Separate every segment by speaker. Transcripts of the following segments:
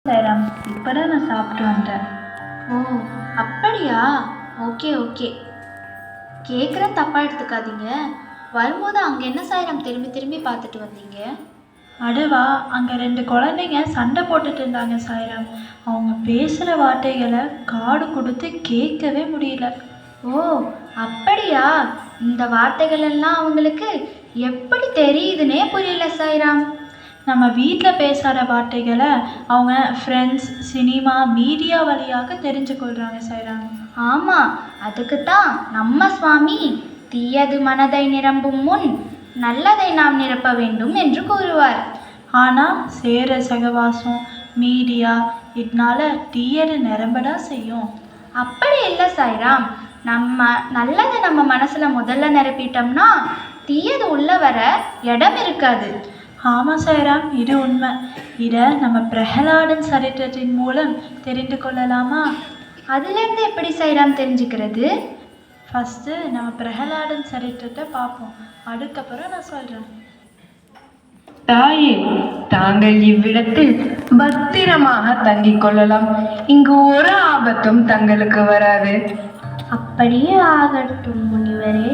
Speaker 1: சாய்ராம், இப்போதான் நான் சாப்பிட்டு வந்தேன்.
Speaker 2: ஓ அப்படியா? ஓகே ஓகே, கேட்குற தப்பாக எடுத்துக்காதீங்க. வரும்போது அங்கே என்ன சாய்ராம் திரும்பி திரும்பி பார்த்துட்டு வந்தீங்க?
Speaker 1: அடுவா, அங்கே 2 குழந்தைங்க சண்டை போட்டுட்டு இருந்தாங்க சாய்ராம். அவங்க பேசுகிற வார்த்தைகளை காடு கொடுத்து கேட்கவே முடியல.
Speaker 2: ஓ அப்படியா? இந்த வார்த்தைகள் எல்லாம் அவங்களுக்கு எப்படி தெரியுதுன்னே புரியல சாய்ராம்.
Speaker 1: நம்ம வீட்டில் பேசாத வார்த்தைகளை அவங்க ஃப்ரெண்ட்ஸ், சினிமா, மீடியா வழியாக தெரிஞ்சு கொள்கிறாங்க சாய்ராம்.
Speaker 2: ஆமாம், அதுக்குத்தான் நம்ம சுவாமி தீயது மனதை நிரம்பும் முன் நல்லதை நாம் நிரப்ப வேண்டும் என்று கூறுவார்.
Speaker 1: ஆனால் சேர சகவாசம், மீடியா இதனால தீயது நிரம்பதான் செய்யும்.
Speaker 2: அப்படி இல்லை சாய்ராம், நம்ம நல்லதை நம்ம மனசில் முதல்ல நிரப்பிட்டோம்னா தீயது உள்ள வர இடம் இருக்காது.
Speaker 1: ஆமாம் சாய்ராம், இது உண்மை. இதை நம்ம பிரகலாடன் சரித்திரத்தின் மூலம் தெரிந்து கொள்ளலாமா?
Speaker 2: அதுலேருந்து எப்படி சாய்ராம் தெரிஞ்சுக்கிறது?
Speaker 1: ஃபஸ்ட்டு நம்ம பிரகலாடன் சரித்திரத்தை பார்ப்போம், அதுக்கப்புறம் நான் சொல்கிறேன்.
Speaker 3: தாயே, தாங்கள் இவ்விடத்தில் பத்திரமாக தங்கிக் கொள்ளலாம். இங்கு ஒரு ஆபத்தும் தங்களுக்கு வராது.
Speaker 2: அப்படியே ஆகட்டும் முனிவரே.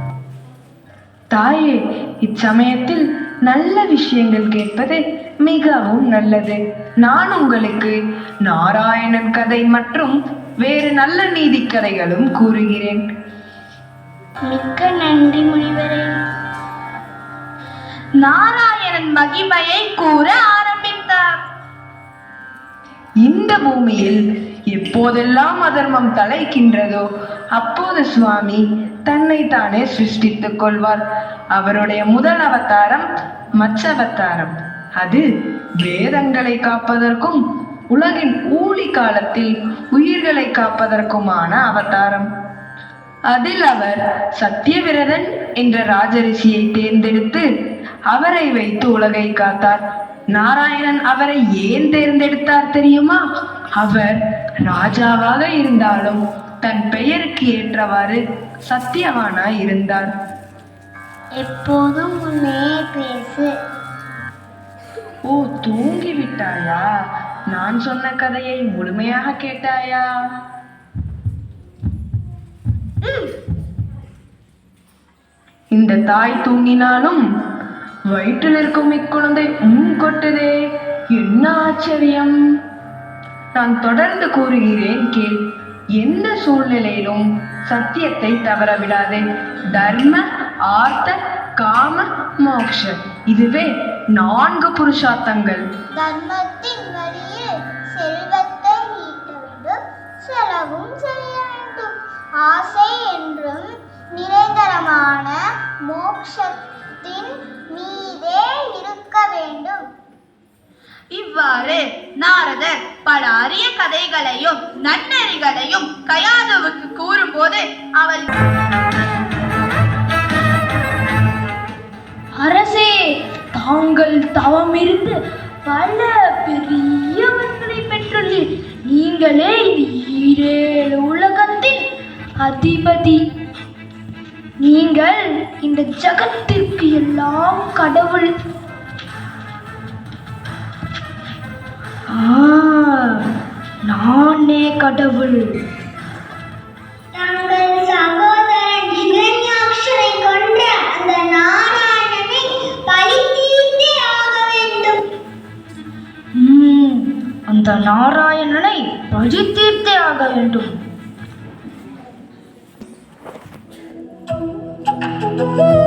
Speaker 3: தாயே, இச்சமயத்தில் நல்ல விஷயங்கள் கேட்பது மிகவும் நல்லது. நான் உங்களுக்கு நாராயணன் கதை மற்றும் வேறு நல்ல நீதி கதைகளும் கூறுகிறேன்.
Speaker 2: மிக்க நன்றி முனிவரே. நாராயணன் மகிமையை கூற ஆரம்பித்தார்.
Speaker 3: இந்த பூமியில் எப்போதெல்லாம் அதர்மம் தலைக்கின்றதோ அப்போது சுவாமி தன்னை தானே சிருஷ்டித்துக் கொள்வார். அவருடைய முதல் அவதாரம் மச்சவதாரம். அது வேதங்களை காப்பதற்கும் உலகின் ஊழி காலத்தில் உயிர்களை காப்பதற்குமான அவதாரம். அதில் அவர் சத்தியவிரதன் என்ற ராஜரிஷியை தேர்ந்தெடுத்து அவரை வைத்து உலகை காத்தார். நாராயணன் அவரை ஏன் தேர்ந்தெடுத்தார் தெரியுமா? அவர் ராஜாவாக இருந்தாலும் தன் பெயருக்கு ஏற்றவாறு சத்தியவானாய் இருந்தார்.
Speaker 2: எப்போதும் முன்னே பேசு.
Speaker 3: ஓ, தூங்கிவிட்டாயா? நான் சொன்ன கதையை முழுமையாக கேட்டாயா? இந்த தாய் தூங்கினாலும் வயிற்றில் இருக்கும் இக்குழந்தை கொட்டுதே, என்ன ஆச்சரியம்! நான் தொடர்ந்து கூறுகிறேன் கேள். எந்த சூழ்நிலையிலும் சத்தியத்தை தவற விடாதே. தர்ம, ஆர்த்த, காம, மோக்ஷ, இதுவே 4 புருஷார்த்தங்கள்.
Speaker 2: தர்மத்தின் வழியில் செல்வத்தை ஈட்ட வேண்டும், செலவும் செய்ய வேண்டும். ஆசை என்றும் நிரந்தரமான மோக்ஷத்தின் மீதே இருக்க வேண்டும். இவ்வாறு நாரதர் பல அரிய கதைகளையும் நன்னெறிகளையும் கயாதுவுக்கு கூறும்போது அவள், அரசே, தாங்கள் தவமிருந்து பல பெரியவர்களை பெற்றுள்ளீர். நீங்களே இந்த 7 உலகத்தின் அதிபதி. நீங்கள் இந்த ஜகத்திற்கு எல்லாம் கடவுள். நானே கடவுள்.
Speaker 4: தங்கள் சகோதரன் ஹிரண்யாக்ஷனை கொன்ற அந்த நாராயணனை பழி தீர்த்தே ஆக வேண்டும்.
Speaker 2: அந்த நாராயணனை பழி தீர்த்தே ஆக வேண்டும்.